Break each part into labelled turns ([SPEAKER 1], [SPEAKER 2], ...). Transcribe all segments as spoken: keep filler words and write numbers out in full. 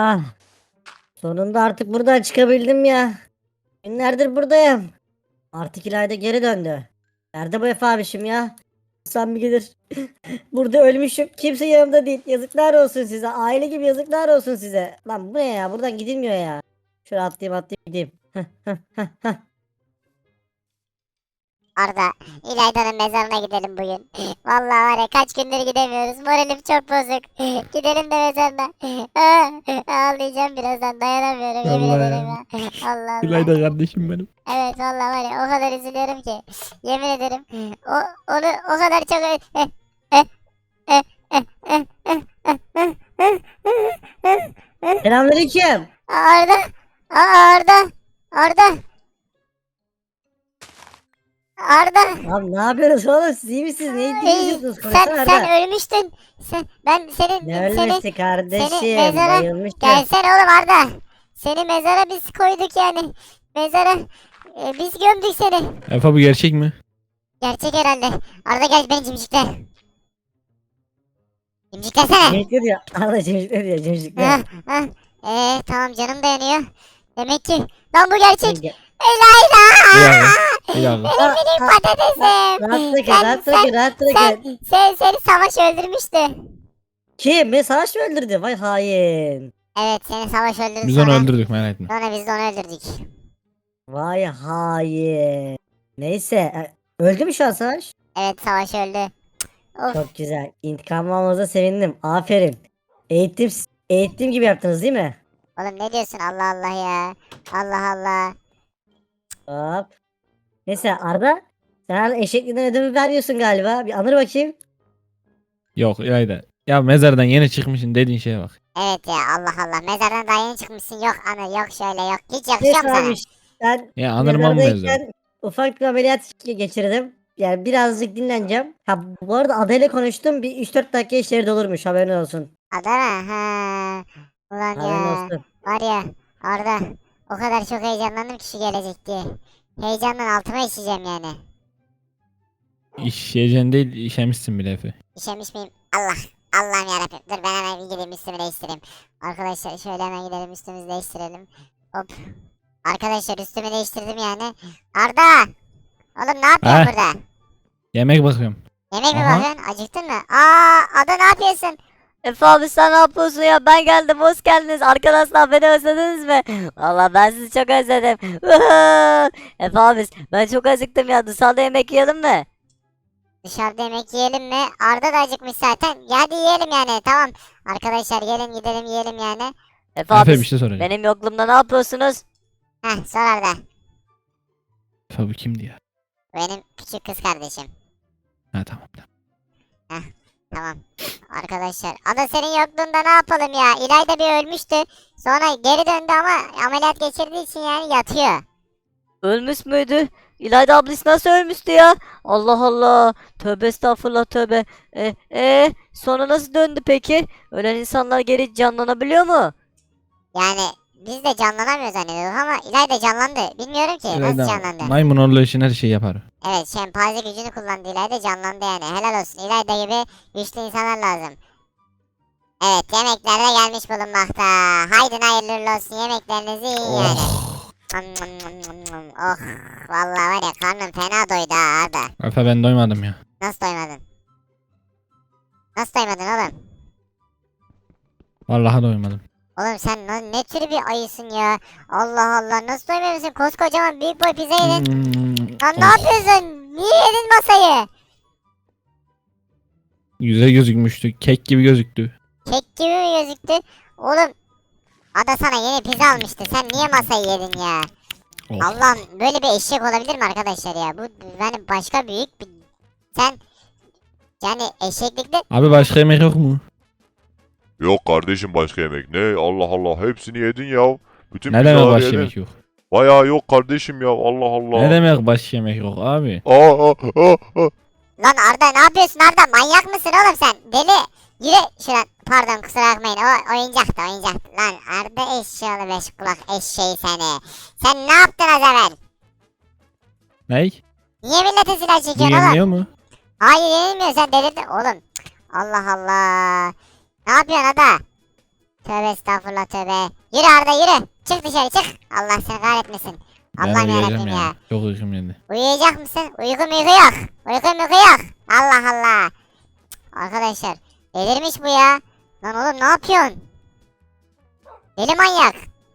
[SPEAKER 1] Ah, sonunda artık buradan çıkabildim ya. Günlerdir buradayım. Artık İlayda geri döndü. Nerede bu Efe abişim ya? Sen bir gelir. Burada ölmüşüm. Kimse yanımda değil. Yazıklar olsun size. Aile gibi yazıklar olsun size. Lan bu ne ya? Buradan gidilmiyor ya. Şöyle atlayayım atlayayım gideyim.
[SPEAKER 2] Arda, İlayda'nın mezarına gidelim bugün. Vallahi var ya kaç gündür gidemiyoruz. Moralim çok bozuk. Gidelim de mezarına. Ağlayacağım birazdan dayanamıyorum yemin
[SPEAKER 3] Allah
[SPEAKER 2] ederim
[SPEAKER 3] ya.
[SPEAKER 2] ya. Allah Allah.
[SPEAKER 3] İlayda kardeşim benim.
[SPEAKER 2] Evet vallahi var ya o kadar üzülüyorum ki. Yemin ederim. O, onu o kadar çok... ö-
[SPEAKER 1] Selamünaleyküm.
[SPEAKER 2] Arda. Aa, Arda. Arda. Arda.
[SPEAKER 1] Abi ne yapıyorsunuz oğlum? Siz iyi misiniz? Ne
[SPEAKER 2] Ey,
[SPEAKER 1] diyorsunuz?
[SPEAKER 2] sen
[SPEAKER 1] Konuşsana
[SPEAKER 2] sen
[SPEAKER 1] Arda.
[SPEAKER 2] ölmüştün. Sen ben senin
[SPEAKER 1] Ne
[SPEAKER 2] seni
[SPEAKER 1] ölmüştü kardeşim?
[SPEAKER 2] seni mezara
[SPEAKER 1] Bayılmıştım.
[SPEAKER 2] gelsene oğlum Arda. Seni mezara biz koyduk yani. Mezara e, biz gömdük seni.
[SPEAKER 3] Efe bu gerçek mi?
[SPEAKER 2] Gerçek herhalde. Arda gel beni cimcikle. Cimciklesene.
[SPEAKER 1] Cemcikler diyor. Arda cemcikler diyor. Cemcikler.
[SPEAKER 2] Ha, ha. Ee, tamam canım dayanıyor. Demek ki lan bu gerçek.
[SPEAKER 1] Yenge-
[SPEAKER 2] Elayla.
[SPEAKER 3] Bir dakika. Bir dakika.
[SPEAKER 1] Aa,
[SPEAKER 2] Benim
[SPEAKER 1] aa,
[SPEAKER 2] patatesim.
[SPEAKER 1] Rahat bırakın,
[SPEAKER 2] Sen-
[SPEAKER 1] rahat
[SPEAKER 2] sen-
[SPEAKER 1] bırakın, rahat bırakın.
[SPEAKER 2] Sen, sen, seni savaş öldürmüştü.
[SPEAKER 1] Kim? Beni savaş mı öldürdü? Vay hain.
[SPEAKER 2] Evet seni savaş öldürdü
[SPEAKER 3] Biz onu
[SPEAKER 2] sonra.
[SPEAKER 3] öldürdük merak etme.
[SPEAKER 2] Sonra biz de onu öldürdük.
[SPEAKER 1] Vay hain. Neyse. e, Öldü mü şu an savaş?
[SPEAKER 2] Evet savaş öldü. Of.
[SPEAKER 1] Çok güzel. İntikam almanıza sevindim. Aferin. Eğitim, eğitim gibi yaptınız değil mi?
[SPEAKER 2] Oğlum ne diyorsun Allah Allah ya. Allah Allah.
[SPEAKER 1] Hop. Neyse Arda. Sen hala eşekliğinden ödümü veriyorsun galiba. Bir anır bakayım.
[SPEAKER 3] Yok İlayda. Ya mezardan yeni çıkmışsın dediğin şeye bak.
[SPEAKER 2] Evet ya Allah Allah. Mezardan daha yeni çıkmışsın. Yok anı yok şöyle yok. Hiç yakışıyor
[SPEAKER 1] Neyse
[SPEAKER 2] mu sana?
[SPEAKER 1] abi. Ben
[SPEAKER 3] Ya anırmam mı mezar?
[SPEAKER 1] mezardayken ufak bir ameliyat geçirdim. Yani birazcık dinleneceğim. Ha bu arada adayla konuştum. Bir üç dört dakika işleri olurmuş. Haberin olsun.
[SPEAKER 2] Adana ha. Ulan
[SPEAKER 1] Haberin
[SPEAKER 2] ya.
[SPEAKER 1] olsun.
[SPEAKER 2] Var ya Arda. O kadar çok heyecanlandım ki şu gelecek diye. Heyecandan altıma işeceğim yani.
[SPEAKER 3] İşeyeceksin değil işemişsin bile Efe.
[SPEAKER 2] İşemiş miyim? Allah. Allah'ım yarabbim. Dur ben hemen bir gideyim üstümü değiştireyim. Arkadaşlar şöyle hemen gidelim üstümüzü değiştirelim. Hop. Arkadaşlar üstümü değiştirdim yani. Arda. Oğlum ne yapıyorsun
[SPEAKER 3] Ha?
[SPEAKER 2] burada?
[SPEAKER 3] Yemek bakıyorum.
[SPEAKER 2] Yemek mi
[SPEAKER 3] Aha.
[SPEAKER 2] bakıyorsun? Acıktın mı? Aa, Ada ne yapıyorsun?
[SPEAKER 4] Efe abi sen ne yapıyorsun ya? Ben geldim, hoş geldiniz. Arkadaşlar beni özlediniz mi? Valla ben sizi çok özledim. Efe abi ben çok acıktım ya. Dışarıda yemek yiyelim mi?
[SPEAKER 2] Dışarıda yemek yiyelim mi? Arda da acıkmış zaten. Ya hadi yiyelim yani tamam. Arkadaşlar gelin gidelim yiyelim yani.
[SPEAKER 4] Efe
[SPEAKER 3] Efe
[SPEAKER 4] abi
[SPEAKER 3] bir şey soracağım.
[SPEAKER 4] benim yokluğumda ne yapıyorsunuz?
[SPEAKER 2] Heh sor Arda.
[SPEAKER 3] Efe bu kimdi ya?
[SPEAKER 2] Benim küçük kız kardeşim.
[SPEAKER 3] Ha tamam tamam.
[SPEAKER 2] Tamam. Arkadaşlar Ada senin yokluğunda ne yapalım ya? İlayda bir ölmüştü. Sonra geri döndü ama ameliyat geçirdiği için yani yatıyor.
[SPEAKER 4] Ölmüş müydü? İlayda ablası nasıl ölmüştü ya? Allah Allah. Tövbe estağfurullah tövbe. E, e, sonra nasıl döndü peki? Ölen insanlar geri canlanabiliyor mu?
[SPEAKER 2] Yani biz de canlanamıyor zannediyorduk ama İlayda canlandı. Bilmiyorum ki nasıl
[SPEAKER 3] İlayda
[SPEAKER 2] canlandı.
[SPEAKER 3] maymun oğlu için her şeyi yapar.
[SPEAKER 2] Evet şempanze gücünü kullandı İlayda canlandı yani. Helal olsun İlayda gibi güçlü insanlar lazım. Evet yemekler de gelmiş bulunmakta. Haydi hayırlı uğurlu olsun yemeklerinizi yiyin yani. Oh vallahi var ya karnım fena doydu ha Arda.
[SPEAKER 3] Efe ben doymadım ya.
[SPEAKER 2] Nasıl doymadın? Nasıl doymadın oğlum?
[SPEAKER 3] Vallahi doymadım.
[SPEAKER 2] Oğlum sen ne, ne tür bir ayısın ya? Allah Allah nasıl doymuyorsun? Koskocaman büyük boy pizza yedin.
[SPEAKER 3] Hmm,
[SPEAKER 2] Lan ne
[SPEAKER 3] oh,
[SPEAKER 2] yapıyorsun? Niye yedin masayı?
[SPEAKER 3] Yüze gözükmüştü. Kek gibi gözüktü.
[SPEAKER 2] Kek gibi mi gözüktü? Oğlum Ada sana yeni pizza almıştı. Sen niye masayı yedin ya?
[SPEAKER 3] Oh.
[SPEAKER 2] Allah'ım böyle bir eşek olabilir mi arkadaşlar ya? Bu yani başka büyük bir... Sen yani eşeklikte...
[SPEAKER 3] Abi başka yemek yok mu?
[SPEAKER 5] Yok kardeşim başka yemek. Ne? Allah Allah hepsini yedin ya. Bütün
[SPEAKER 3] Ne demek
[SPEAKER 5] pizzaları
[SPEAKER 3] başka
[SPEAKER 5] yedin.
[SPEAKER 3] yemek yok?
[SPEAKER 5] Bayağı yok kardeşim ya. Allah Allah.
[SPEAKER 3] Ne demek başka yemek yok abi?
[SPEAKER 5] Aa, aa, aa, aa.
[SPEAKER 2] Lan Arda ne yapıyorsun Arda? Manyak mısın oğlum sen? Deli. Yürü şuradan. Pardon kusura bakmayın. O oyuncaktı oyuncaktı. Lan Arda eşyalı beş kulak eşeği seni. Sen ne yaptın az evvel?
[SPEAKER 3] Ney?
[SPEAKER 2] Niye millete silah
[SPEAKER 3] Bu
[SPEAKER 2] çekiyorsun oğlum?
[SPEAKER 3] yeniliyor mu?
[SPEAKER 2] Hayır yenilmiyor sen delirdin. Oğlum. Allah Allah. Ne yapıyorsun Ada? Tövbe estağfurullah tövbe. Yürü Arda yürü. Çık dışarı çık. Allah seni kahretmesin.
[SPEAKER 3] Ben
[SPEAKER 2] Allah'ım
[SPEAKER 3] uyuyacağım
[SPEAKER 2] yarabbim ya.
[SPEAKER 3] ya. Çok uykum geldi.
[SPEAKER 2] Uyuyacak mısın? Uyku muyku yok. Uyku muyku yok. Allah Allah. Cık, arkadaşlar delirmiş bu ya. Lan oğlum ne yapıyorsun? Deli manyak.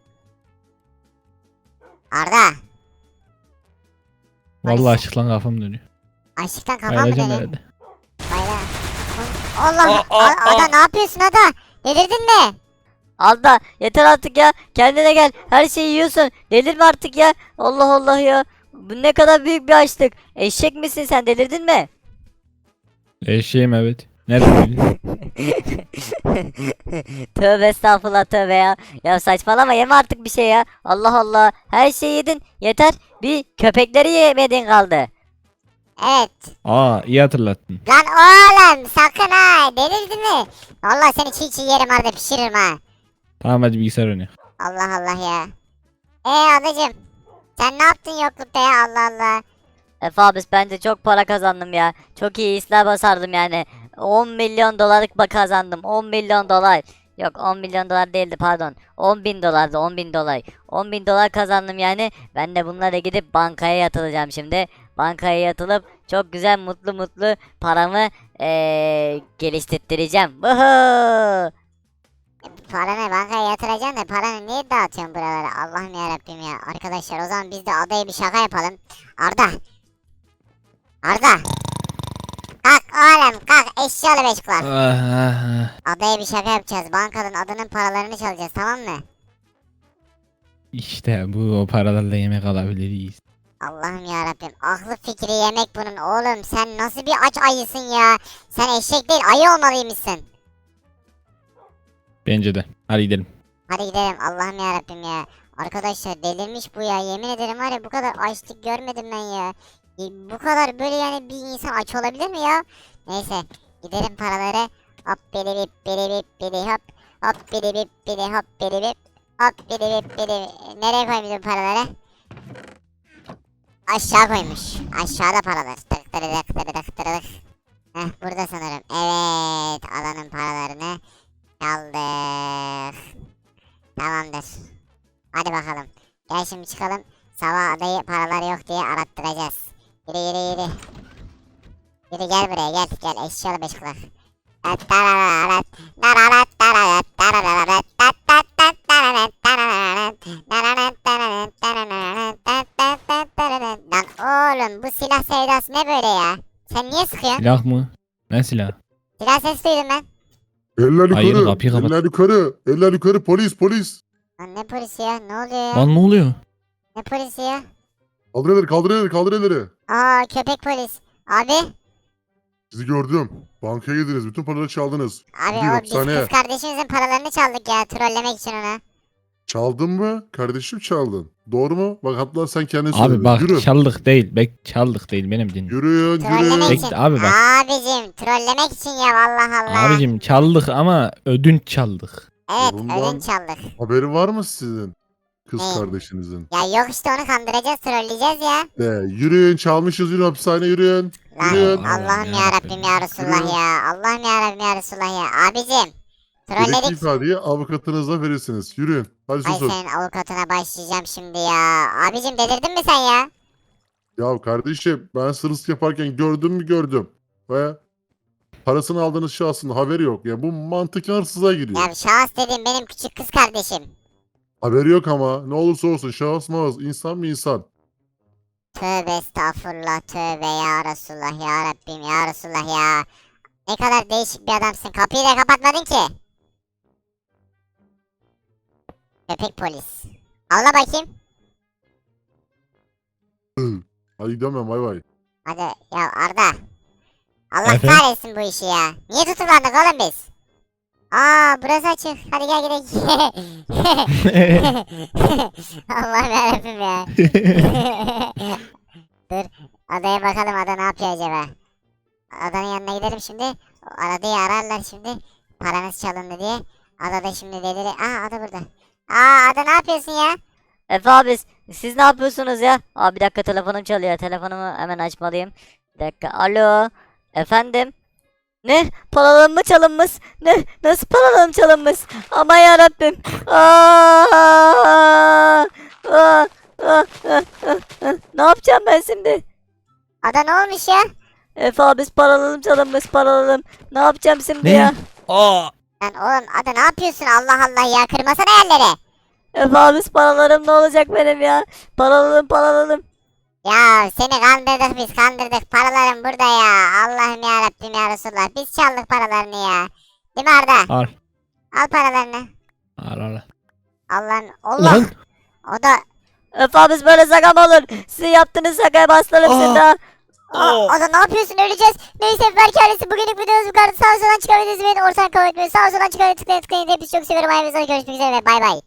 [SPEAKER 2] Arda.
[SPEAKER 3] Vallahi açık lan kafam dönüyor.
[SPEAKER 2] Açlıktan kafam mı
[SPEAKER 3] Bayılacağım
[SPEAKER 2] dönüyor?
[SPEAKER 3] herhalde.
[SPEAKER 2] Bayla. Allah. A- Ada ne yapıyorsun Ada? Delirdin mi?
[SPEAKER 4] Arda yeter artık ya. Kendine gel. Her şeyi yiyorsun. Delirme artık ya. Allah Allah ya. Bu ne kadar büyük bir açlık. Eşek misin sen, delirdin mi?
[SPEAKER 3] Eşeğim evet. Nereden bildin?
[SPEAKER 4] Tövbe estağfurullah tövbe ya. Ya saçmalama, yeme artık bir şey ya. Allah Allah. Her şeyi yedin. Yeter. Bir köpekleri yemedin kaldı.
[SPEAKER 2] Evet.
[SPEAKER 3] Aa iyi hatırlattın.
[SPEAKER 2] Lan oğlum sakın ha. Delirdin mi? Vallahi seni çiğ çiğ yerim Arda, pişiririm ha.
[SPEAKER 3] Tamam hadi bilgisayar oynuyor.
[SPEAKER 2] Allah Allah ya. Ee adacım. Sen ne yaptın yoklukta ya, Allah Allah.
[SPEAKER 4] Efe abi ben de çok para kazandım ya. Çok iyi işler basardım yani. on milyon dolarlık ba- kazandım. on milyon dolar. Yok on milyon dolar değildi, pardon. on bin dolardı, on bin dolar. on bin dolar kazandım yani. Ben de bunlara gidip bankaya yatıracağım şimdi. Bankaya yatılıp çok güzel mutlu mutlu paramı eee geliştireceğim. Vuhuu.
[SPEAKER 2] Paranı bankaya yatıracaksın da paranı niye dağıtıyorsun buralara? Allah'ım yarabbim ya. Arkadaşlar o zaman biz de adaya bir şaka yapalım. Arda. Arda. Kalk oğlum kalk, eşyalı beş kulak.
[SPEAKER 3] Ah, ah, ah.
[SPEAKER 2] Adaya bir şaka yapacağız. Bankanın adının paralarını çalacağız, tamam mı?
[SPEAKER 3] İşte bu o paralarla yemek alabiliriz.
[SPEAKER 2] Allah'ım yarabbim. Aklı fikri yemek bunun oğlum. Sen nasıl bir aç ayısın ya? Sen eşek değil ayı olmalıymışsın.
[SPEAKER 3] Bence de. Hadi gidelim.
[SPEAKER 2] Hadi gidelim, Allah'ım yarabbim ya. Arkadaşlar delirmiş bu ya. Yemin ederim var ya, bu kadar açlık görmedim ben ya. E, Bu kadar böyle yani bir insan aç olabilir mi ya? Neyse gidelim paraları. Hop biri bip biri bip biri hop. Hop biri bip biri hop biri bip. Hop biri bip biri. Nereye koymuşum paraları? Aşağı koymuş. Aşağıda paralar. Tık tırıdık tırıdık tırıdık. Heh burada sanırım. Evet, alanın paralarını çaldık. Tamamdır. Hadi bakalım. Gel şimdi çıkalım. Sabah adayı paralar yok diye arattıracağız. Yürü yürü yürü. Yürü gel buraya gel. Gel eşyalı beş kulak. Lan oğlum bu silah sevdası ne böyle ya? Sen niye sıkıyorsun?
[SPEAKER 3] Silah mı? Ne silah?
[SPEAKER 2] Silah sesi duydum ben.
[SPEAKER 6] Eller
[SPEAKER 3] Hayır,
[SPEAKER 6] yukarı.
[SPEAKER 3] kapıyı kapat.
[SPEAKER 6] Eller yukarı. Eller yukarı. Polis polis.
[SPEAKER 2] Lan ne polisi ya? Ne oluyor ya?
[SPEAKER 3] Lan ne oluyor?
[SPEAKER 2] Ne polisi ya?
[SPEAKER 6] Kaldır elleri kaldır elleri kaldır elleri.
[SPEAKER 2] Aa köpek polis. Abi.
[SPEAKER 6] Sizi gördüm. Bankaya girdiniz. Bütün paraları çaldınız.
[SPEAKER 2] Abi
[SPEAKER 6] Gidiyor
[SPEAKER 2] o biz
[SPEAKER 6] hapishaneye.
[SPEAKER 2] kız kardeşimizin paralarını çaldık ya. Trollemek için ona.
[SPEAKER 6] Çaldın mı? Kardeşim çaldın. Doğru mu? Bak hatta sen kendin
[SPEAKER 3] Abi
[SPEAKER 6] söyledin.
[SPEAKER 3] bak
[SPEAKER 6] Yürü.
[SPEAKER 3] çaldık değil. Bek çaldık değil benim dinle.
[SPEAKER 6] Yürüyün
[SPEAKER 2] Trollemek
[SPEAKER 6] yürüyün.
[SPEAKER 3] Bekle
[SPEAKER 2] için.
[SPEAKER 3] abi bak.
[SPEAKER 2] Abicim trollemek için ya, vallahi Allah.
[SPEAKER 3] Abicim çaldık ama ödünç çaldık.
[SPEAKER 2] Evet
[SPEAKER 6] Bundan-
[SPEAKER 2] ödünç çaldık.
[SPEAKER 6] Haberi var mı sizin? Kız
[SPEAKER 2] Ne?
[SPEAKER 6] kardeşinizin.
[SPEAKER 2] Ya yok işte, onu kandıracağız, trolleyeceğiz ya.
[SPEAKER 6] De, yürüyün çalmışız yürüyün hapishaneye yürüyün.
[SPEAKER 2] Lan
[SPEAKER 6] Yürüyün.
[SPEAKER 2] Allah'ım
[SPEAKER 3] Allah'ım
[SPEAKER 2] ya Rabbim ya
[SPEAKER 3] yarabbim.
[SPEAKER 2] Resulullah
[SPEAKER 6] Yürü.
[SPEAKER 2] ya. Allah'ım ya Rabbim ya Resulullah ya. Abicim
[SPEAKER 6] Gerekli
[SPEAKER 2] trolledik.
[SPEAKER 6] ifadeyi avukatınıza verirsiniz. Yürüyün. Hadi
[SPEAKER 2] Ay
[SPEAKER 6] susun.
[SPEAKER 2] senin avukatına başlayacağım şimdi ya. Abicim delirdin mi sen ya?
[SPEAKER 6] Ya kardeşim ben sırrıs yaparken gördüm mü gördüm. Ve parasını aldığınız şahsın haberi yok. Ya bu mantıken hırsıza giriyor.
[SPEAKER 2] Ya şahıs dediğim benim küçük kız kardeşim.
[SPEAKER 6] Haberi yok ama ne olursa olsun şahıs mağaz insan mı insan.
[SPEAKER 2] Tövbe estağfurullah tövbe ya Resulullah ya Rabbim ya Resulullah ya. Ne kadar değişik bir adamsın. Kapıyı da kapatmadın ki. Köpek polis. Ağla bakayım.
[SPEAKER 6] Hadi gidiyorum ben bay bay.
[SPEAKER 2] Hadi ya Arda. Allah
[SPEAKER 3] Efendim?
[SPEAKER 2] kahretsin bu işi ya. Niye tutuklandık oğlum biz? Aa burası açık. Hadi gel gidelim. Allah'ım yarabbim ya. Dur. Adaya bakalım, ada ne yapıyor acaba? Adanın yanına gidelim şimdi. Adayı ararlar şimdi. Paranız çalındı diye. Ada da şimdi delir. Aa ada burada. Aa ada ne yapıyorsun ya?
[SPEAKER 4] Efe abi siz ne yapıyorsunuz ya? Abi bir dakika, telefonum çalıyor. Telefonumu hemen açmalıyım. Bir dakika. Alo. Efendim? Ne? Paralarım mı çalınmış? Ne? Nasıl paralarım çalınmış? Aman yarabbim. Aa! Aa! Aa! Aa! Aa! Aa! Ne yapacağım ben şimdi?
[SPEAKER 2] Ada ne olmuş ya?
[SPEAKER 4] Efe abi paralarım çalınmış paralarım. Ne yapacağım şimdi
[SPEAKER 3] Ne?
[SPEAKER 4] ya?
[SPEAKER 3] Aa!
[SPEAKER 2] Lan oğlum Ada ne yapıyorsun Allah Allah ya kırmasana yerleri.
[SPEAKER 4] Efe abi paralarım ne olacak benim ya? Paralarım paralarım.
[SPEAKER 2] Ya seni kandırdık biz kandırdık paralarım burada ya. Allah'ım ya Rabbim ya Resulullah biz çaldık paralarını ya. Değil mi Arda?
[SPEAKER 3] Al.
[SPEAKER 2] Al paralarını.
[SPEAKER 3] Al al.
[SPEAKER 2] Allah'ın Allah.
[SPEAKER 3] Lan.
[SPEAKER 2] O da
[SPEAKER 4] Efe abi böyle şaka mı olur? Sizin yaptığınız şakaya bastırırım
[SPEAKER 3] Aa.
[SPEAKER 4] şimdi ha.
[SPEAKER 2] Aa, o da ne yapıyorsun öleceğiz. Neyse Berk ailesi bugünlük videomuz bu kadar. Sağ olun çıkabilirsiniz. Beni ortadan kabul etmiyor. Sağ olun çıkabilirsiniz. Tıklayın tıklayın. Hepinizi çok seviyorum. Ayağınızda görüşmek üzere. Bay bay.